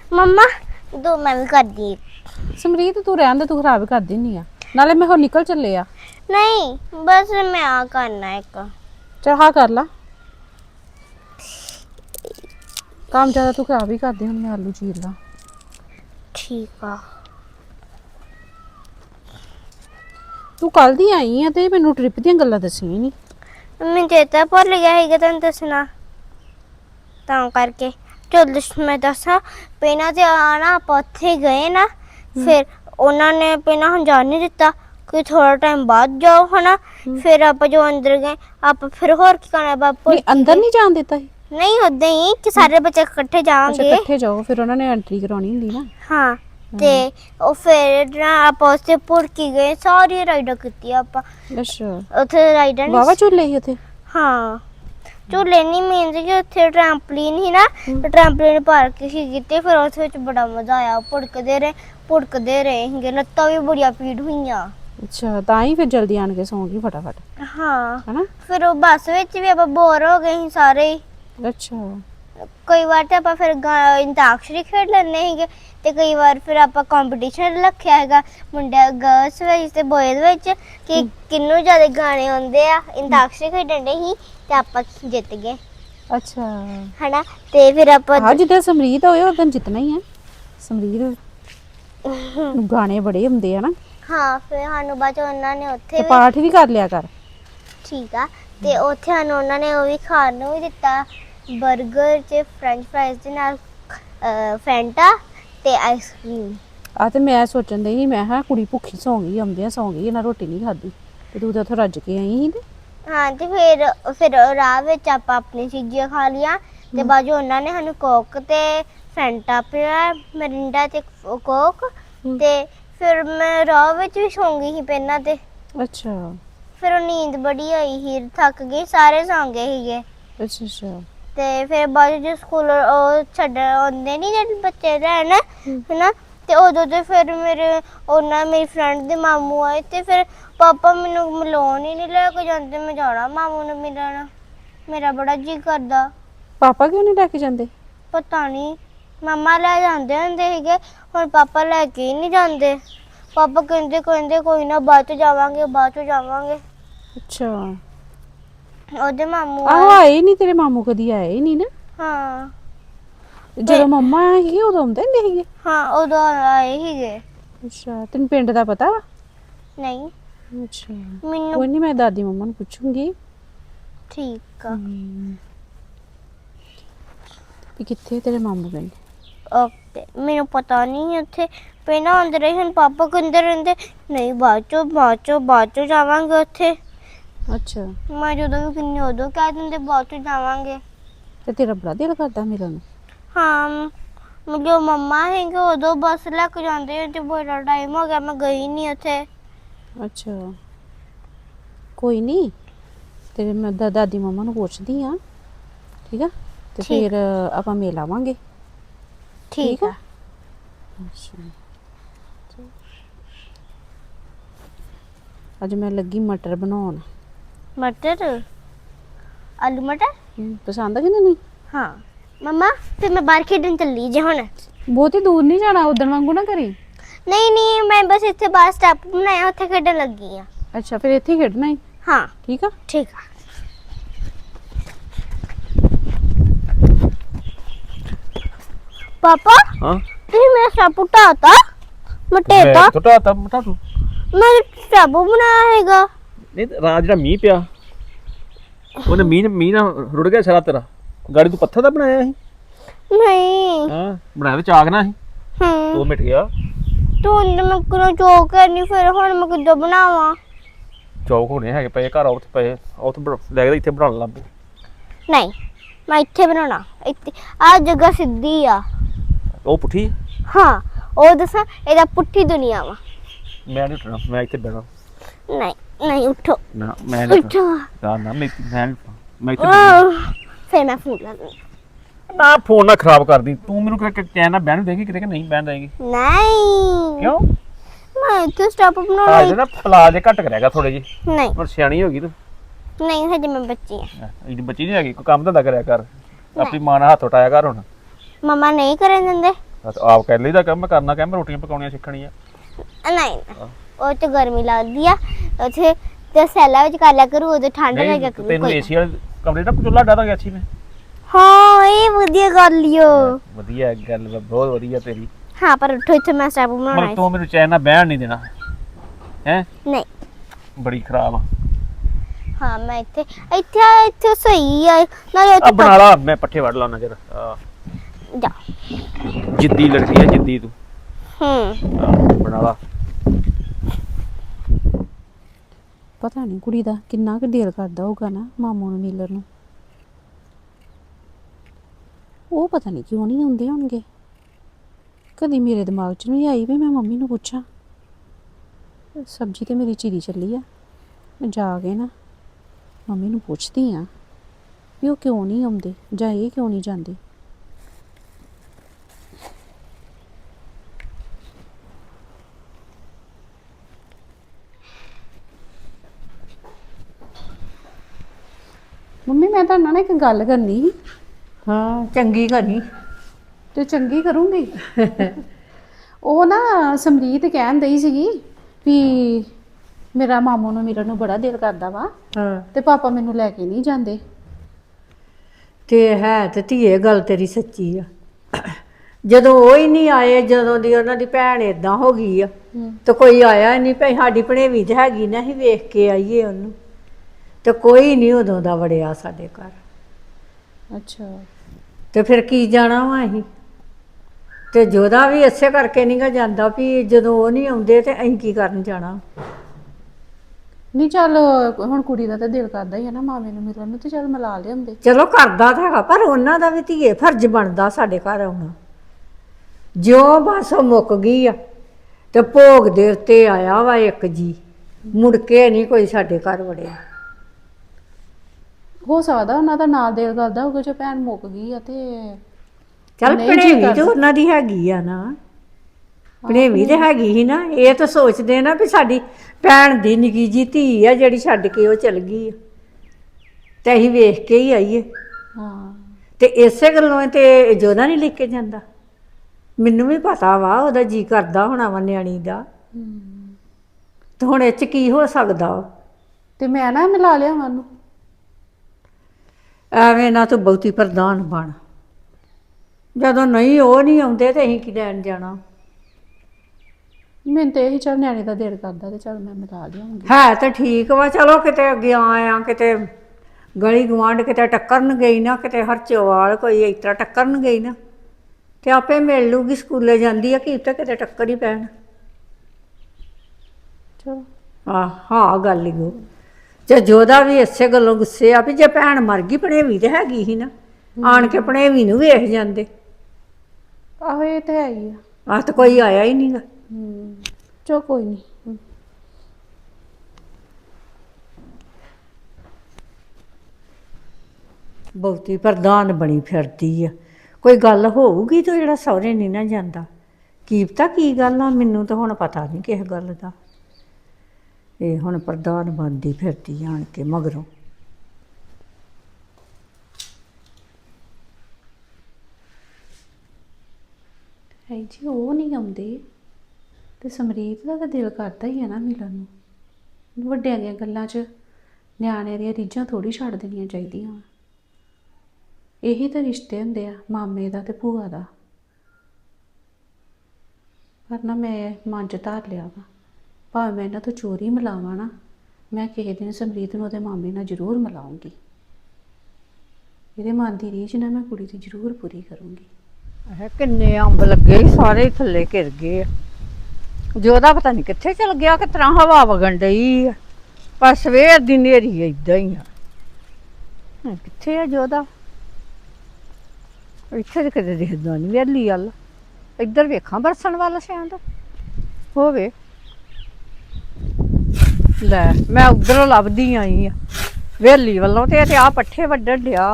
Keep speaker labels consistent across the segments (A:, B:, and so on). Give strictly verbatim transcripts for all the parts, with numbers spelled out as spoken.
A: मम्मा दो मैं भी कर दी।
B: ਸਮਰੀਤ ਤੂੰ ਰਹਿਣ ਦੇ, ਤੂੰ ਖਰਾਬ ਕਰ ਦਿੰਨੀ ਆ। ਨਾਲੇ ਮੈਂ ਹੋਰ ਨਿਕਲ ਚੱਲੇ ਆ।
A: नहीं बस मैं आ करना एक।
B: ਚਲ ਹਾਂ ਕਰ ਲਾ ਕੰਮ, ਜ਼ਿਆਦਾ ਤੂੰ ਖਰਾਬ ਹੀ ਕਰਦੀ। ਹੁਣ ਮੈਂ ਆਲੂ ਚੀਰ ਲਾ।
A: ठीक है।
B: ਤੂੰ ਕੱਲ ਦੀ ਆਈ ਆ ਤੇ ਮੈਨੂੰ ਟ੍ਰਿਪ ਦੀਆਂ ਗੱਲਾਂ ਦੱਸੀਆਂ ਨਹੀਂ।
A: मैं चेता भुल गया है तेन दसना ਤਾਂ ਕਰਕੇ चल मैं दसा ਪਹਿਲਾਂ ਤੇ ਆਣਾ ਆਪਾਂ ਉੱਥੇ ਗਏ ਨਾ ਫਿਰ ਉਹਨਾਂ ਨੇ ਪਹਿਲਾਂ ਹੁਣ ਜਾਣ ਨਹੀਂ ਦਿੱਤਾ ਕਿ ਥੋੜਾ ਟਾਈਮ ਬਾਅਦ ਜਾਓ ਹਨਾ ਫਿਰ ਆਪਾਂ ਜੋ ਅੰਦਰ ਗਏ ਆਪਾਂ ਫਿਰ ਹੋਰ ਕੀ ਕਰਨਾ ਬਾਪੂ
B: ਨਹੀਂ ਅੰਦਰ ਨਹੀਂ ਜਾਣ ਦਿੱਤਾ ਸੀ।
A: ਨਹੀਂ ਉਦਾਂ ਹੀ ਕਿ ਸਾਰੇ ਬੱਚੇ ਇਕੱਠੇ
B: ਅੱਛਾ
A: ਜਾਵਾਂਗੇ।
B: ਇਕੱਠੇ ਜਾਓ, ਫਿਰ ਉਹਨਾਂ ਨੇ ਐਂਟਰੀ ਕਰਾਉਣੀ ਹੁੰਦੀ ਨਾ।
A: ਹਾਂ ਤੇ ਉਹ ਫਿਰ ਨਾ ਆਪਾਂ ਉੱਥੇ ਪੁਰਕੀ ਗਏ, ਸਾਰੀ ਰਾਈਡਾਂ ਕੀਤੀ ਆਪਾਂ।
B: ਅੱਛਾ
A: ਉੱਥੇ ਰਾਈਡਾਂ ਨਹੀਂ
B: ਵਾਵਾ ਝੂਲੇ ਸੀ ਉੱਥੇ।
A: ਹਾਂ ਝੂਲੇ ਨਹੀਂ ਮੀਨਸ ਕਿ ਉੱਥੇ ਟ੍ਰੈਂਪਲਿਨ ਸੀ ਨਾ, ਟ੍ਰੈਂਪਲਿਨ ਪਾਰਕ ਸੀ ਕੀਤੀ। ਫਿਰ ਉਸ ਵਿੱਚ ਬੜਾ ਮਜ਼ਾ ਆਇਆ, ਭੁੜਕਦੇ ਰਹੇ ਭੁੜਕਦੇ ਰਹੇ ਸੀਗੇ, ਲੱਤਾਂ ਵੀ ਬੜੀਆਂ ਪੀੜ ਹੋਈਆਂ।
B: ਅੱਛਾ ਤਾਂ ਹੀ ਫਿਰ ਜਲਦੀ ਆਣ ਕੇ ਸੌਂ ਗਈ ਫਟਾਫਟ
A: ਹਾਂ
B: ਹਨਾ।
A: ਫਿਰ ਉਹ ਬੱਸ ਵਿੱਚ ਵੀ ਆਪਾਂ ਬੋਰ ਹੋ ਗਏ ਸੀ ਸਾਰੇ ਹੀ।
B: ਅੱਛਾ
A: ਕਈ ਵਾਰ ਤੇ ਆਪਾਂ ਫਿਰ ਅੰਤਾਕਸ਼ਰੀ ਖੇਡ ਲੈਂਦੇ ਸੀਗੇ ਤੇ ਕਈ ਵਾਰ ਫਿਰ ਆਪਾਂ ਕੰਪੀਟੀਸ਼ਨ ਰੱਖਿਆ ਹੈਗਾ ਮੁੰਡਿਆਂ ਗਰਲਸ ਵਿੱਚ ਤੇ ਬॉयਜ਼ ਵਿੱਚ ਕਿ ਕਿੰਨੂੰ ਜ਼ਿਆਦਾ ਗਾਣੇ ਆਉਂਦੇ ਆ। ਅੰਤਾਕਸ਼ਰੀ ਖੇਡਣ ਦੇ ਸੀ ਤੇ ਆਪਾਂ ਜਿੱਤ ਗਏ।
B: ਅੱਛਾ
A: ਹਨਾ ਤੇ ਫਿਰ ਆਪਾਂ
B: ਹਾਂ ਜਿੱਦਾਂ ਸਮਰੀਤ ਹੋਏ ਉਦੋਂ ਜਿੱਤਣਾ ਹੀ ਆ। ਸਮਰੀਤ ਨੂੰ ਗਾਣੇ ਬੜੇ ਹੁੰਦੇ ਆ ਨਾ।
A: ਹਾਂ ਫਿਰ ਸਾਨੂੰ ਬਾਅਦ ਚ ਉਹਨਾਂ ਨੇ ਉੱਥੇ
B: ਤੇ
A: ਵੀ
B: ਪਾਠ ਵੀ ਕਰ ਲਿਆ ਕਰ।
A: ਠੀਕ ਆ ਤੇ ਉੱਥੇ ਸਾਨੂੰ ਉਹਨਾਂ ਨੇ ਉਹ ਵੀ ਖਾਣ ਨੂੰ ਵੀ ਦਿੱਤਾ, ਬਰਗਰ ਤੇ ਫ੍ਰੈਂਚ ਫਰਾਈਜ਼ ਦੇ ਨਾਲ ਫੈਂਟਾ ਤੇ ਆਈਸਕ੍ਰੀਮ।
B: ਆ ਤੇ ਮੈਂ ਸੋਚਣ ਡਈ ਸੀ, ਮੈਂ ਕਿਹਾ ਕੁੜੀ ਭੁੱਖੀ ਸੌਂ ਗਈ, ਆਉਂਦਿਆਂ ਸੌਂ ਗਈ, ਇਹਨਾਂ ਰੋਟੀ ਨਹੀਂ ਖਾਧੀ ਤੇ ਤੂੰ ਤਾਂ ਉੱਥੋਂ ਰੱਜ ਕੇ ਆਈ ਸੀ। ਤੇ
A: ਹਾਂ ਤੇ ਫਿਰ ਫਿਰ ਰਾਹ ਵਿੱਚ ਆਪਾਂ ਆਪਣੀ ਚੀਜ਼ਾਂ ਖਾ ਲੀਆਂ ਤੇ ਬਾਜੂ ਉਹਨਾਂ ਨੇ ਸਾਨੂੰ ਕੋਕ ਤੇ ਫੈਂਟਾ ਪਿਆ, ਮਰਿੰਡਾ ਤੇ ਕੋਕ ਤੇ ਫਿਰ ਮੈਂ ਰਾਹ ਵਿੱਚ ਵੀ ਸੌਂ ਗਈ ਸੀ ਪਹਿਲਾਂ ਤੇ।
B: ਅੱਛਾ
A: ਫਿਰ ਉਹ ਨੀਂਦ ਬੜੀ ਆਈ ਸੀ, ਥੱਕ ਗਈ, ਸਾਰੇ ਸੌਂ ਗਏ ਸੀਗੇ।
B: ਅੱਛਾ ਅੱਛਾ
A: ਤੇ ਫਿਰ ਬਾਅਦ ਜੋ ਸਕੂਲ ਉਹ ਛੱਡ ਆਉਂਦੇ ਨਹੀਂ ਜਿਹੜੇ ਬੱਚੇ ਰਹਿਣ ਹਨਾ ਤੇ ਉਦੋਂ ਤੇ ਫਿਰ ਮੇਰੇ ਉਹਨਾਂ ਮੇਰੀ ਫਰੈਂਡ ਦੇ ਮਾਮੂ ਆਏ ਤੇ ਫਿਰ ਪਾਪਾ ਮੈਨੂੰ ਮਿਲਾਉਣ ਹੀ ਨਹੀਂ ਲੈ ਕੇ ਜਾਂਦੇ। ਮੈਂ ਜਾਣਾ ਮਾਮੂ ਨੂੰ ਮਿਲਣ, ਮੇਰਾ ਬੜਾ ਜੀ ਕਰਦਾ।
B: ਪਾਪਾ ਕਿਉਂ ਨਹੀਂ ਲੈ ਕੇ ਜਾਂਦੇ?
A: ਪਤਾ ਨਹੀਂ ਮਮਾ ਲੈ ਜਾਂਦੇ ਹੁੰਦੇ ਸੀਗੇ, ਹੁਣ ਪਾਪਾ ਲੈ ਕੇ ਹੀ ਨਹੀਂ ਜਾਂਦੇ। ਪਾਪਾ ਕਹਿੰਦੇ ਕਹਿੰਦੇ ਕੋਈ ਨਾ ਬਾਅਦ ਚ ਜਾਵਾਂਗੇ ਬਾਅਦ ਚ ਜਾਵਾਂਗੇ।
B: ਅੱਛਾ
A: ਉਹਦੇ ਮਾਮੂ
B: ਆਹੋ ਆਏ ਨਹੀਂ ਤੇਰੇ ਮਾਮੂ, ਕਦੀ ਆਏ ਹੀ ਨਹੀਂ ਨਾ।
A: ਹਾਂ
B: ਜਦੋਂ ਮੰਮਾ ਆਏ ਸੀਗੇ ਉਦੋਂ ਆਉਂਦੇ ਹੁੰਦੇ ਸੀਗੇ।
A: ਹਾਂ ਉਦੋਂ ਆਏ ਸੀਗੇ।
B: ਅੱਛਾ ਤੈਨੂੰ ਪਿੰਡ ਦਾ ਪਤਾ ਵਾ?
A: ਨਹੀਂ
B: ਅੱਛਾ
A: ਮੈਨੂੰ
B: ਕੋਈ ਨਹੀਂ, ਮੈਂ ਦਾਦੀ ਮੰਮਾ ਨੂੰ ਪੁੱਛੂੰਗੀ।
A: ਠੀਕ ਆ
B: ਵੀ ਕਿੱਥੇ ਤੇਰੇ ਮਾਮੂ ਪਿੰਡ?
A: ਓਕੇ ਮੈਨੂੰ ਪਤਾ ਨਹੀਂ ਉੱਥੇ ਪਹਿਲਾਂ ਆਉਂਦੇ ਰਹੇ ਹੁਣ ਪਾਪਾ ਕਹਿੰਦੇ ਰਹਿੰਦੇ ਨਹੀਂ ਬਾਅਦ ਚੋਂ ਬਾਅਦ ਚੋਂ ਬਾਅਦ ਚੋਂ ਜਾਵਾਂਗੇ ਉੱਥੇ।
B: ਅੱਛਾ
A: ਮੈਂ ਜਦੋਂ ਵੀ ਕਿੰਨੀ ਉਦੋਂ ਕਹਿ ਦਿੰਦੇ ਬਾਅਦ ਚੋਂ ਜਾਵਾਂਗੇ।
B: ਤੇ ਤੇਰਾ ਬੜਾ ਦਿਲ ਕਰਦਾ ਮਿਲਣ ਨੂੰ?
A: ਹਾਂ ਜੋ ਮੰਮਾ ਹੈਗੇ ਉਦੋਂ ਬੱਸ ਲੈ ਕੇ ਜਾਂਦੇ ਤੇ ਬੜਾ ਟਾਈਮ ਹੋ ਗਿਆ ਮੈਂ ਗਈ ਨਹੀਂ ਉੱਥੇ।
B: ਅੱਛਾ ਕੋਈ ਨਹੀਂ, ਤੇਰੇ ਮੈਂ ਦਾ- ਦਾਦੀ ਮੰਮਾ ਨੂੰ ਪੁੱਛਦੀ ਆ, ਠੀਕ ਆ? ਤੇ ਫਿਰ ਆਪਾਂ ਮਿਲ ਆਵਾਂਗੇ।
A: ਠੀਕ ਆ
B: ਅੱਛਾ ਅੱਜ ਮੈਂ ਲੱਗੀ ਮਟਰ ਬਣਾਉਣ।
A: ਮਟਰ ਆਲੂ ਮਟਰ
B: ਹਮ, ਪਸੰਦ ਆ ਕਿ ਨਹੀਂ?
A: ਹਾਂ ਮੰਮਾ ਫਿਰ ਮੈਂ ਬਾਹਰ ਖੇਡਣ ਚੱਲੀ ਜੇ ਹੁਣ।
B: ਬਹੁਤੀ ਦੂਰ ਨਹੀਂ ਜਾਣਾ, ਉਦਣ ਵਾਂਗੂ ਨਾ ਕਰੀ।
A: ਨਹੀਂ ਨਹੀਂ ਮੈਂ ਬਸ ਇੱਥੇ ਬਾਹਰ ਸਟੈਪ ਬਣਾਇਆ ਉੱਥੇ ਖੇਡਣ ਲੱਗੀ ਆ।
B: ਅੱਛਾ ਫਿਰ ਇੱਥੇ ਹੀ ਖੇਡਣਾ ਹੈ,
A: ਹਾਂ
B: ਠੀਕ ਆ?
A: ਠੀਕ ਆ ਪਾਪਾ
C: ਹਾਂ
A: ਤੁਸੀਂ ਮੇਰਾ ਸਟੈਪ ਉਟਾਤਾ ਮਟੇਤਾ
C: ਮੈਂ ਟੁੱਟਾ ਮਟਾ ਤੂੰ
A: ਮੈਂ ਸਟੈਪ ਬਣਾਇਆ ਹੈਗਾ।
C: ਨਹੀਂ ਰਾਤ ਜਿਹੜਾ ਮੀਂਹ ਪਿਆ ਉਹਨੇ ਮੀਂਹ ਮੀਂਹ ਨਾਲ ਰੁੜ ਗਿਆ ਸਾਰਾ ਤੇਰਾ। ਗਾੜੀ ਤੂੰ ਪੱਥਰ ਦਾ ਬਣਾਇਆ ਸੀ?
A: ਨਹੀਂ
C: ਹਾਂ ਬਣਾਇਆ ਤੇ ਚਾਕ ਨਾ ਸੀ,
A: ਹੂੰ
C: ਉਹ ਮਿਟ ਗਿਆ।
A: ਤੂੰ ਹੁਣ ਮੈਂ ਕਿਉਂ ਚੋਕ ਕਰਨੀ ਫਿਰ ਹੁਣ ਮੈਂ ਕਿੱਦਾਂ ਬਣਾਵਾਂ?
C: ਚੌਕ ਹੋਣੇ ਹੈਗੇ ਪਏ ਘਰ, ਉੱਥੇ ਪਏ ਉੱਥੇ ਬਣਾ- ਲੈ ਕੇ ਇੱਥੇ ਬਣਾਉਣ ਲੱਗ ਪਏ।
A: ਨਹੀਂ ਮੈਂ ਇੱਥੇ ਬਣਾਉਣਾ, ਇੱਥੇ ਆ ਜਗ੍ਹਾ ਸਿੱਧੀ ਆ।
C: ਉਹ ਪੁੱਠੀ?
A: ਹਾਂ ਉਹ ਦੱਸਾਂ ਇਹਦਾ ਪੁੱਠੀ ਦੁਨੀਆ ਵਾ।
C: ਮੈਂ ਨਹੀਂ ਉੱਠਣਾ, ਮੈਂ ਇੱਥੇ ਬਹਿਣਾ।
A: ਨਹੀਂ ਨਹੀਂ ਉੱਠੋ
C: ਨਾ ਮੈਂ ਨਹੀਂ
A: ਉੱਠੋ
C: ਉੱਠਣਾ। ਨਾ ਮੈਂ ਮੈਂ ਨੀ ਉੱਠਣਾ। ਮੈਂ ਇੱਥੇ ਬਹਿਣਾ।
A: ਆਹ, ਫਿਰ ਮੈਂ ਫੋਨ ਲਾ ਦੂੰ।
C: ਨਾ ਫੋਨ ਨਾ ਖਰਾਬ ਕਰਦੀ ਤੂੰ, ਮੈਨੂੰ ਕਿ ਕਹਿਣਾ ਬਹਿਣ ਦੇਗੀ ਕਿਤੇ ਕਿ ਨਹੀਂ ਬਹਿਣ ਦੇਗੀ?
A: ਨਹੀਂ
C: ਕਿਉਂ?
A: ਮੈਂ ਇੱਥੇ ਸਟੈਪ
C: ਆ
A: ਬਣਾਉਣਾ।
C: ਇਹਦੇ ਨਾ ਪਲਾ ਜੇ ਘੱਟ ਕਰਿਆਗਾ ਥੋੜੇ ਜਿਹੇ,
A: ਨਹੀਂ
C: ਹੁਣ ਸਿਆਣੀ ਹੋ ਗਈ ਤੂੰ।
A: ਨਹੀਂ ਹਜੇ ਮੈਂ ਬੱਚੀ ਆ।
C: ਇਹਦੀ ਬੱਚੀ ਨਹੀਂ ਹੈਗੀ, ਕੋਈ ਕੰਮ ਧੰਦਾ ਕਰਿਆ ਕਰ, ਆਪਣੀ ਮਾਂ ਨਾਲ ਹੱਥ ਉਟਾਇਆ ਕਰ ਹੁਣ।
A: ਮਮਾ ਨਹੀਂ ਕਰਨ ਦਿੰਦੇ।
C: ਆਪ ਕਰ ਲਈਦਾ ਕੰਮ, ਮੈਂ ਕਰਨਾ ਕੰਮ, ਰੋਟੀਆਂ ਪਕਾਉਣੀਆਂ ਸਿੱਖਣੀਆਂ।
A: ਨਹੀਂ ਉਹ ਤੇ ਗਰਮੀ ਲੱਗਦੀ ਆ ਉੱਥੇ ਤੇ ਸੈਲਾ ਵਿੱਚ ਕਰ ਲਿਆ ਕਰੂ, ਉਦੋਂ ਠੰਡ ਲੱਗਿਆ ਕਰੂ
C: ਤੈਨੂੰ
A: ਕੋਈ
C: ਏਸੀ ਵਾਲੇ ਕਮਰੇ ਦਾ ਚੁੱਲ੍ਹਾ ਡਾ ਦਾਂਗੇ ਅੱਛੀ ਮੈਂ।
A: ਹਾਂ ਇਹ ਵਧੀਆ ਗੱਲ ਲਿਓ।
C: ਵਧੀਆ ਗੱਲ ਵਾ, ਬਹੁਤ ਵਧੀਆ ਤੇਰੀ।
A: ਹਾਂ ਪਰ ਉੱਠੋ ਇੱਥੇ ਮੈਂ ਸਟੈਪ ਬਣਾਉਣਾ
C: ਪਰ ਤੂੰ ਮੈਨੂੰ ਚੈਨ ਨਾਲ ਬਹਿਣ ਨਹੀਂ ਦੇਣਾ ਹੈ।
A: ਨਹੀਂ
C: ਬੜੀ ਖਰਾਬ ਆ।
A: ਹਾਂ ਮੈਂ ਇੱਥੇ ਇੱਥੇ ਇੱਥੇ ਸਹੀ ਆ ਨਾਲੇ
C: ਆ
A: ਉੱਥੇ
C: ਬਣਾ ਲਾ, ਮੈਂ ਪੱਠੇ ਵੱਢ ਲਾਉਣਾ ਜਰਾ। ਆ
A: ਜਾ
C: ਜਿੱਦੀ ਲੜਕੀ ਹੈ, ਜਿੱਦੀ ਤੂੰ।
A: ਹੂੰ
C: ਆਹ, ਬਣਾ ਲਾ।
B: ਪਤਾ ਨਹੀਂ ਕੁੜੀ ਦਾ ਕਿੰਨਾ ਕੁ ਦਿਲ ਕਰਦਾ ਹੋਊਗਾ ਨਾ ਮਾਮੂ ਨੂੰ ਮਿਲਣ ਨੂੰ। ਉਹ ਪਤਾ ਨਹੀਂ ਕਿਉਂ ਨਹੀਂ ਆਉਂਦੇ ਹੋਣਗੇ। ਕਦੀ ਮੇਰੇ ਦਿਮਾਗ 'ਚ ਨਹੀਂ ਆਈ ਵੀ ਮੈਂ ਮੰਮੀ ਨੂੰ ਪੁੱਛਾਂ। ਸਬਜ਼ੀ ਤੇ ਮੇਰੀ ਚੀਰੀ ਚੱਲੀ ਆ, ਮੈਂ ਜਾ ਕੇ ਨਾ ਮੰਮੀ ਨੂੰ ਪੁੱਛਦੀ ਆ ਵੀ ਉਹ ਕਿਉਂ ਨਹੀਂ ਆਉਂਦੇ ਜਾਂ ਇਹ ਕਿਉਂ ਨਹੀਂ ਜਾਂਦੇ। ਮੰਮੀ ਮੈਂ ਤੁਹਾਡੇ ਨਾਲ ਇੱਕ ਗੱਲ ਕਰਨੀ ਸੀ।
D: ਹਾਂ ਚੰਗੀ ਕਰੀ।
B: ਤੇ ਚੰਗੀ ਕਰੂੰਗੀ। ਉਹ ਨਾ ਸਮਰੀਤ ਕਹਿਣ ਦਈ ਸੀਗੀ ਵੀ ਮੇਰਾ ਮਾਮੂ ਨੂੰ ਮਿਲਣ ਨੂੰ ਬੜਾ ਦਿਲ ਕਰਦਾ ਵਾ
D: ਹਾਂ
B: ਤੇ ਪਾਪਾ ਮੈਨੂੰ ਲੈ ਕੇ ਨਹੀਂ ਜਾਂਦੇ।
D: ਤੇ ਹੈ ਤੇ ਧੀਏ ਗੱਲ ਤੇਰੀ ਸੱਚੀ ਆ। ਜਦੋਂ ਉਹ ਹੀ ਨਹੀਂ ਆਏ, ਜਦੋਂ ਦੀ ਉਹਨਾਂ ਦੀ ਭੈਣ ਏਦਾਂ ਹੋ ਗਈ ਆ ਤੇ ਕੋਈ ਆਇਆ ਹੀ ਨਹੀਂ। ਭਈ ਸਾਡੀ ਭਣੇਵੀਂ ਤੇ ਹੈਗੀ ਨਾ, ਅਸੀਂ ਵੇਖ ਕੇ ਆਈਏ ਉਹਨੂੰ, ਤੇ ਕੋਈ ਨਹੀਂ ਉਦੋਂ ਦਾ ਵੜਿਆ ਸਾਡੇ ਘਰ।
B: ਅੱਛਾ
D: ਤੇ ਫਿਰ ਕੀ ਜਾਣਾ ਵਾ ਅਸੀਂ। ਤੇ ਜੋਦਾ ਵੀ ਇਸੇ ਕਰਕੇ ਨਹੀਂ ਗਾ ਜਾਂਦਾ ਵੀ ਜਦੋਂ ਉਹ ਨਹੀਂ ਆਉਂਦੇ ਤੇ ਅਸੀਂ ਕੀ ਕਰਨ ਜਾਣਾ।
B: ਨਹੀਂ ਚੱਲ ਹੁਣ ਕੁੜੀ ਦਾ ਤਾਂ ਦਿਲ ਕਰਦਾ ਹੀ ਹੈ ਨਾ ਮਾਮੇ ਨੂੰ ਮਿਲਣ ਨੂੰ, ਤੇ ਚੱਲ ਮਿਲਾ ਲਿਆਉਂਦੇ।
D: ਚਲੋ ਕਰਦਾ ਤਾਂ ਹੈਗਾ, ਪਰ ਉਹਨਾਂ ਦਾ ਵੀ ਧੀਏ ਫਰਜ਼ ਬਣਦਾ ਸਾਡੇ ਘਰ ਆਉਣਾ। ਜਿਉਂ ਬਸ ਉਹ ਮੁੱਕ ਗਈ ਆ ਤੇ ਭੋਗ ਦੇ ਉੱਤੇ ਆਇਆ ਵਾ ਇੱਕ ਜੀ, ਮੁੜ ਕੇ ਨਹੀਂ ਕੋਈ ਸਾਡੇ ਘਰ ਵੜਿਆ।
B: ਹੋ ਸਕਦਾ ਉਹਨਾਂ ਦਾ ਨਾਲ ਦਿਲ ਕਰਦਾ ਹੋਊਗਾ ਜੇ ਭੈਣ ਮੁੱਕ ਗਈ ਆ ਤੇ
D: ਚੱਲ
B: ਨਹੀਂ ਜੀ
D: ਭਣੇਵੀਂ ਤੇ
B: ਕਰਦਾ।
D: ਉਹਨਾਂ ਦੀ ਹੈਗੀ ਆ ਨਾ, ਭਣੇਵੀਂ ਤੇ ਹੈਗੀ ਸੀ ਨਾ। ਇਹ ਤਾਂ ਸੋਚਦੇ ਨਾ ਵੀ ਸਾਡੀ ਭੈਣ ਦੀ ਨਿੱਕੀ ਜੀ ਧੀ ਆ ਜਿਹੜੀ ਛੱਡ ਕੇ ਉਹ ਚਲ ਗਈ ਆ, ਤੇ ਅਸੀਂ ਵੇਖ ਕੇ ਹੀ ਆਈਏ।
B: ਹਾਂ
D: ਤੇ ਇਸੇ ਗੱਲੋਂ ਤੇ ਜੋਦਾ ਨਹੀਂ ਲੈ ਕੇ ਜਾਂਦਾ। ਮੈਨੂੰ ਵੀ ਪਤਾ ਵਾ ਉਹਦਾ ਜੀ ਕਰਦਾ ਹੋਣਾ ਵਾ ਨਿਆਣੀ ਦਾ, ਤੇ ਹੁਣ ਇਹ ਚ ਕੀ ਹੋ ਸਕਦਾ ਵਾ।
B: ਤੇ ਮੈਂ ਨਾ ਮਿਲਾ ਲਿਆਵਾਂ ਉਹਨੂੰ।
D: ਐਵੇਂ ਨਾ ਤੂੰ ਬਹੁਤੀ ਪ੍ਰਧਾਨ ਬਣ। ਜਦੋਂ ਨਹੀਂ ਉਹ ਨਹੀਂ ਆਉਂਦੇ ਤੇ ਅਸੀਂ ਕੀ ਲੈਣ ਜਾਣਾ।
B: ਮੈਨੂੰ ਤੇ ਇਹੀ ਚੱਲ ਨਿਆਣੇ ਦਾ ਦਿਲ ਕਰਦਾ ਤੇ ਚੱਲ ਮੈਂ ਮਿਲਾ ਲਿਆਉਂਗੀ।
D: ਹੈ ਤਾਂ ਠੀਕ ਵਾ, ਚਲੋ ਕਿਤੇ ਅੱਗੇ ਆਇਆ, ਕਿਤੇ ਗਲੀ ਗੁਆਂਢ ਕਿਤੇ ਟੱਕਰਨ ਗਈ ਨਾ, ਕਿਤੇ ਹਰਚੋਵਾਲ ਕੋਈ ਇਸ ਤਰ੍ਹਾਂ ਟੱਕਰਨ ਗਈ ਨਾ, ਤੇ ਆਪੇ ਮਿਲ ਲੂਗੀ। ਸਕੂਲੇ ਜਾਂਦੀ ਆ, ਕੀ ਤਾਂ ਕਿਤੇ ਟੱਕਰ ਹੀ ਪੈਣ।
B: ਚਲੋ
D: ਆਹ ਹਾਂ ਗੱਲ ਹੀ ਉਹ। ਤੇ ਜੋਦਾ ਵੀ ਇਸੇ ਗੱਲੋਂ ਗੁੱਸੇ ਆ ਵੀ ਜੇ ਭੈਣ ਮਰ ਗਈ, ਭਣੇਵੀਂ ਤੇ ਹੈਗੀ ਸੀ ਨਾ, ਆਣ ਕੇ ਭਣੇਵੀਂ ਨੂੰ ਵੇਖ ਜਾਂਦੇ।
B: ਆਹੋ ਇਹ ਤੇ ਹੈ ਹੀ ਆ।
D: ਆਹ ਤਾਂ ਕੋਈ ਆਇਆ ਹੀ ਨਹੀਂਗਾ।
B: ਹੂੰ ਚਲੋ ਕੋਈ ਨਹੀਂ।
D: ਬਹੁਤੀ ਪ੍ਰਧਾਨ ਬਣੀ ਫਿਰਦੀ ਆ। ਕੋਈ ਗੱਲ ਹੋਊਗੀ ਤਾਂ ਜਿਹੜਾ ਸਹੁਰੇ ਨਹੀਂ ਨਾ ਜਾਂਦਾ। ਕੀ ਪਤਾ ਕੀ ਗੱਲ ਆ, ਮੈਨੂੰ ਤਾਂ ਹੁਣ ਪਤਾ ਨਹੀਂ ਕਿਸ ਗੱਲ ਦਾ। ਇਹ ਹੁਣ ਪ੍ਰਧਾਨ ਬਣਦੀ ਫਿਰਦੀ ਆਣ ਕੇ ਮਗਰੋਂ।
B: ਹੈ ਜੀ ਉਹ ਨਹੀਂ ਆਉਂਦੇ ਤੇ ਸਮਰੀਤ ਦਾ ਤਾਂ ਦਿਲ ਕਰਦਾ ਹੀ ਹੈ ਨਾ ਮਿਲਣ ਨੂੰ। ਵੱਡਿਆਂ ਦੀਆਂ ਗੱਲਾਂ 'ਚ ਨਿਆਣਿਆਂ ਦੀਆਂ ਰੀਝਾਂ ਥੋੜ੍ਹੀ ਛੱਡ ਦੇਣੀਆਂ ਚਾਹੀਦੀਆਂ। ਇਹੀ ਤਾਂ ਰਿਸ਼ਤੇ ਹੁੰਦੇ ਆ ਮਾਮੇ ਦਾ ਤੇ ਭੂਆ ਦਾ। ਪਰ ਨਾ ਮੈਂ ਮਨ 'ਚ ਧਾਰ ਲਿਆ ਵਾ, ਭਾਵੇਂ ਮੈਂ ਇਹਨਾਂ ਤੋਂ ਚੋਰੀ ਮਿਲਾਵਾਂ ਨਾ, ਮੈਂ ਕਿਸੇ ਦਿਨ ਸਮਰੀਤ ਨੂੰ ਉਹਦੇ ਮਾਮੇ ਨਾਲ ਜ਼ਰੂਰ ਮਿਲਾਉਂਗੀ। ਇਹਦੇ ਮਨ ਦੀ ਰੀਝ ਨਾ ਮੈਂ ਕੁੜੀ ਦੀ ਜ਼ਰੂਰ ਪੂਰੀ ਕਰੂੰਗੀ।
D: ਇਹ ਕਿੰਨੇ ਅੰਬ ਲੱਗੇ ਸੀ, ਸਾਰੇ ਹੀ ਥੱਲੇ ਘਿਰ ਗਏ ਆ। ਜੋਦਾ ਪਤਾ ਨਹੀਂ ਕਿੱਥੇ ਚਲ ਗਿਆ, ਕਿਸ ਤਰ੍ਹਾਂ ਹਵਾ ਵਗਣ ਡਈ ਆ। ਪਰ ਸਵੇਰ ਦੀ ਨੇਰੀ ਏਦਾਂ ਹੀ ਆ। ਹੁਣ ਕਿੱਥੇ ਆ ਜੋਦਾ? ਇੱਥੇ ਤੇ ਕਿਤੇ ਦਿਖਦਾ ਨਹੀਂ ਵੇਲੀ ਵੱਲ। ਇੱਧਰ ਵੇਖਾਂ ਬਰਸਣ ਵੱਲ ਸ਼ਾਇਦ ਹੋਵੇ। ਲੈ ਮੈਂ ਉਧਰੋਂ ਲੱਭਦੀ ਆਈ ਆ ਵੇਲੀ ਵੱਲੋਂ, ਤੇ ਤੇ ਆ ਪੱਠੇ ਵੱਢਣ ਡਿਆ।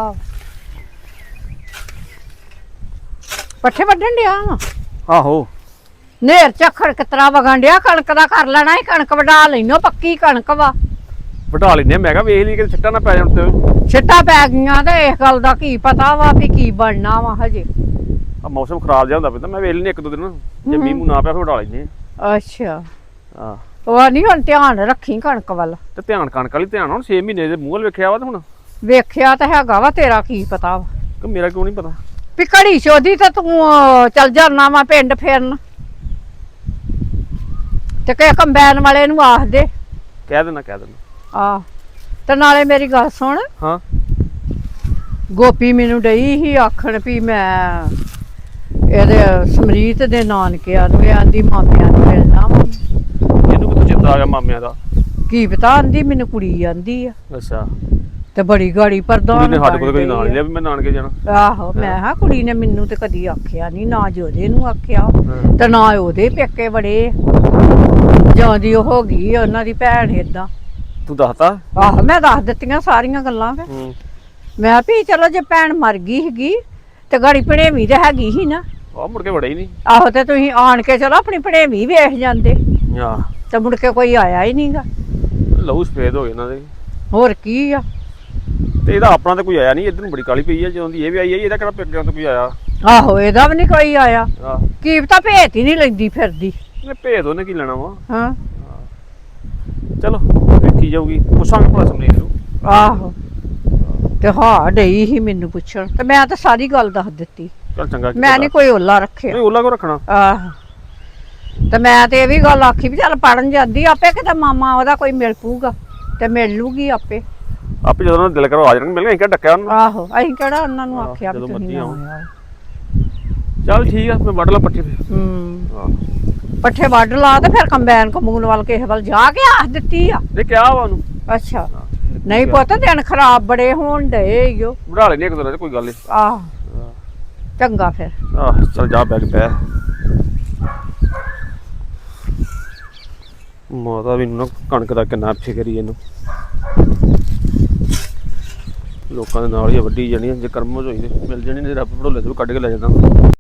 D: ਪੱਠੇ ਵੱਢਣ ਡਿਆ ਵਾ।
C: ਆਹੋ
D: ਨੇਰ ਝੱਖੜ ਕਿਤਰਾ ਵਗਣ ਡਿਆ। ਕਣਕ ਦਾ ਕਰ ਲੈਣਾ ਹੀ, ਕਣਕ ਵਢਾ ਲੈਨੋ, ਪੱਕੀ ਕਣਕ ਵਾ।
C: ਵਢਾ ਲੈਨੇ। ਮੈਂ ਕਿਹਾ ਵੇਖ ਲਈ ਕਿ ਛਿੱਟਾ ਨਾ ਪੈ ਜਾਣ ਤੇ।
D: ਛਿੱਟਾਂ ਪੈ ਗਈਆਂ ਤੇ ਇਸ ਗੱਲ ਦਾ ਕੀ ਪਤਾ ਵਾ ਵੀ ਕੀ ਬਣਨਾ ਵਾ ਹਜੇ।
C: ਆ ਮੌਸਮ ਖਰਾਬ ਜਿਹਾ ਹੁੰਦਾ ਪੈਂਦਾ ਮੈਂ ਵੇਲ ਨਹੀਂ ਇੱਕ ਦੋ ਦਿਨ ਜੇ ਮੀਂਹ ਮੂੰਹ ਨਾ ਪਿਆ ਫਿਰ ਉਡਾ ਲੈਂਦੇ
D: ਅੱਛਾ
C: ਆ
D: ਉਹ ਨਹੀਂ ਹੁਣ ਧਿਆਨ ਰੱਖੀ ਕਣਕ ਵੱਲ
C: ਤੇ ਧਿਆਨ ਕਣਕ ਵਾਲੀ ਧਿਆਨ ਹੁਣ ਛੇ ਮਹੀਨੇ ਦੇ ਮੂੰਹ ਵੱਲ ਵੇਖਿਆ ਵਾ ਤੇ ਹੁਣ
D: ਵੇਖਿਆ ਤਾਂ ਹੈਗਾ ਵਾ ਤੇਰਾ ਕੀ ਪਤਾ ਵਾ
C: ਕਿ ਮੇਰਾ ਕਿਉਂ ਨਹੀਂ ਪਤਾ
D: ਵੀ ਘੜੀ ਚੋਦੀ ਤਾਂ ਤੂੰ ਅਹ, ਚੱਲ ਜਾਣਾ ਵਾ ਪਿੰਡ ਫਿਰਨ ਤੇ ਕਿ ਕੰਬਾਈਨ ਵਾਲੇ ਨੂੰ ਆਖ ਦੇ
C: ਕਹਿ ਦੇਣਾ ਕਹਿ ਦੇਣਾ
D: ਆ ਤੇ ਨਾਲੇ ਮੇਰੀ ਗੱਲ ਸੁਣ
C: ਹਾਂ
D: ਗੋਪੀ ਮੈਨੂੰ ਡਈ ਸੀ ਆਖਣ ਵੀ ਮੈਂ ਇਹਦੇ ਸਮਰੀਤ ਦੇ ਨਾਨਕਿਆਂ ਨੂੰ ਆਂਦੀ ਮਾਮਿਆਂ ਨੂੰ ਮਿਲਣਾ ਵਾ
C: ਇਹਨੂੰ ਕਿਤੋਂ ਚਿੰਤਾ ਆ ਗਿਆ ਮਾਮਿਆਂ ਦਾ
D: ਕੀ ਪਤਾ ਆਂਦੀ ਮੈਨੂੰ ਕੁੜੀ ਆਂਦੀ ਆ
C: ਅੱਛਾ
D: ਤੇ ਬੜੀ ਗਾੜੀ ਪ੍ਰਧਾਨ
C: ਕੁੜੀ ਨੇ ਸਾਡੇ ਕੋਲ ਕਦੀ ਨਾਲ ਲਿਆ ਵੀ ਮੈਂ ਨਾਨਕੇ ਜਾਣਾ
D: ਆਹੋ ਮੈਂ ਹਾਂ ਕੁੜੀ ਨੇ ਮੈਨੂੰ ਤੇ ਕਦੀ ਆਖਿਆ ਨਹੀਂ ਨਾ ਜੋਦੇ ਨੂੰ ਆਖਿਆ
C: ਹਾਂ।
D: ਤੇ ਨਾ ਉਹਦੇ ਪੇਕੇ ਬੜੇ ਜਾਂ ਦੀ ਉਹ ਹੋ ਗਈ ਉਹਨਾਂ ਦੀ ਭੈਣ ਏਦਾਂ
C: ਤੂੰ ਦੱਸਤਾ
D: ਆਹੋ ਮੈਂ ਦੱਸ ਦਿੱਤੀਆਂ ਸਾਰੀਆਂ ਗੱਲਾਂ ਫਿਰ
C: ਹੂੰ
D: ਮੈਂ ਵੀ ਚਲੋ ਜੇ ਭੈਣ ਮਰ ਗਈ ਹੈਗੀ ਤੇ ਗਾੜੀ ਭਣੇਵੀਂ ਤੇ ਹੈਗੀ ਸੀ ਨਾ
C: ਆ ਮੁੜ ਕੇ ਵੜਾ ਹੀ ਨਹੀਂ
D: ਆਹੋ ਤੇ ਤੁਸੀਂ ਆਣ ਕੇ ਚਲੋ ਆਪਣੀ ਭਣੇਵੀਂ ਵੇਖ ਜਾਂਦੇ
C: ਆ
D: ਤੇ ਮੁੜ ਕੇ ਕੋਈ ਆਇਆ ਹੀ ਨਹੀਂਗਾ
C: ਲਹੂ ਸਫੇਦ ਹੋ ਗਏ ਇਹਨਾਂ ਦੇ
D: ਹੋਰ ਕੀ ਆ
C: ਤੇ ਇਹਦਾ ਆਪਣਾ ਤਾਂ ਕੋਈ ਆਇਆ ਨਹੀਂ ਇੱਧਰ ਨੂੰ ਬੜੀ ਕਾਲੀ ਪਈ ਆ ਜਦੋਂ ਦੀ ਇਹ ਵੀ ਆਈ ਹੈ ਇਹਦਾ ਕਿਹੜਾ ਪੇਕਿਆਂ ਤੋਂ ਕੋਈ ਆਇਆ
D: ਆਹੋ ਇਹਦਾ ਵੀ ਨਹੀਂ ਕੋਈ ਆਇਆ
C: ਆ
D: ਕੀ ਪਤਾ ਭੇਤ ਹੀ ਨਹੀਂ ਲੈਂਦੀ ਫਿਰਦੀ
C: ਇਹਨੇ ਭੇਦ ਉਹਨੇ ਕੀ ਲੈਣਾ ਵਾ
D: ਹਾਂ
C: ਚਲੋ ਵੇਖੀ ਜਾਊਗੀ ਪੁੱਛਾਂਗੇ ਭਲਾ ਸਮਰੀਤ ਨੂੰ
D: ਆਹੋ ਤੇ ਹਾਂ ਡਈ ਸੀ ਮੈਨੂੰ ਪੁੱਛਣ ਤੇ ਮੈਂ ਤਾਂ ਸਾਰੀ ਗੱਲ ਦੱਸ ਦਿੱਤੀ
C: ਚੱਲ ਚੰਗਾ
D: ਮੈਂ ਨਹੀਂ ਕੋਈ ਓਲਾ ਰੱਖਿਆ
C: ਨਹੀਂ ਓਲਾ ਕੋ ਰੱਖਣਾ
D: ਆਹੋ ਤੇ ਮੈਂ ਤੇ ਇਹ ਵੀ ਗੱਲ ਆਖੀ ਵੀ ਚੱਲ ਪੜਨ ਜਾਂਦੀ ਆਪੇ ਕਿਤੇ ਮਾਮਾ ਉਹਦਾ ਕੋਈ ਮਿਲ ਪੂਗਾ ਤੇ ਮਿਲ ਲੂਗੀ ਆਪੇ
C: ਆਪੇ ਜਦੋਂ ਉਹਨਾਂ ਦਾ ਦਿਲ ਕਰੋ ਆ ਜਾਣਗੇ ਮਿਲ ਗਏ ਕਿਹੜਾ ਡੱਕਿਆ ਉਹਨੂੰ
D: ਆਹੋ ਅਸੀਂ ਕਿਹੜਾ ਉਹਨਾਂ ਨੂੰ
C: ਆਹੋ,
D: ਆਖਿਆ ਵੀ
C: ਜਦੋਂ
D: ਤੁਸੀਂ
C: ਮਰਜ਼ੀ
D: ਨਾ
C: ਆਓ।
D: ਆਇਓ।
C: ਚੱਲ ਠੀਕ ਆ ਮੈਂ ਵੱਢ ਲਾ ਪੱਠੇ ਤੇ
D: ਹੂੰ
C: ਆਹ
D: ਪੱਠੇ ਵੱਢ ਲਾ ਤੇ ਫਿਰ ਕੰਬਾਈਨ ਕਮੂਨ ਵੱਲ ਕਿਸੇ ਵੱਲ ਜਾ ਕੇ ਆਖ ਦਿੱਤੀ ਆ
C: ਇਹ ਕਿਹਾ ਵਾ ਉਹਨੂੰ
D: ਅੱਛਾ ਨਹੀਂ ਪੁੱਤ ਦਿਨ ਖਰਾਬ ਬੜੇ ਹੋਣ ਡਏ ਈਓ
C: ਵੜਾ ਲੈਣੇ ਇੱਕ ਦੋ ਦਿਨ ਚ ਕੋਈ ਗੱਲ ਨਹੀਂ
D: ਆਹ ਚੰਗਾ ਫਿਰ
C: ਆਹ ਚੱਲ ਜਾ ਬੈਗ ਪੈ ਮਾਤਾ ਵੀ ਨਾ ਕਣਕ ਦਾ ਕਿੰਨਾ ਫਿਕਰੀ ਇਹਨੂੰ ਲੋਕਾਂ ਦੇ ਨਾਲ ਹੀ ਵੱਢੀ ਜਾਣੀ ਜੇ ਕਰਮ ਹੋਈ ਤੇ ਮਿਲ ਜਾਣੀ ਨੇ ਰੱਬ ਭੜੋਲੇ ਤੋਂ ਵੀ ਕੱਢ ਕੇ ਲੈ ਜਾਂਦਾ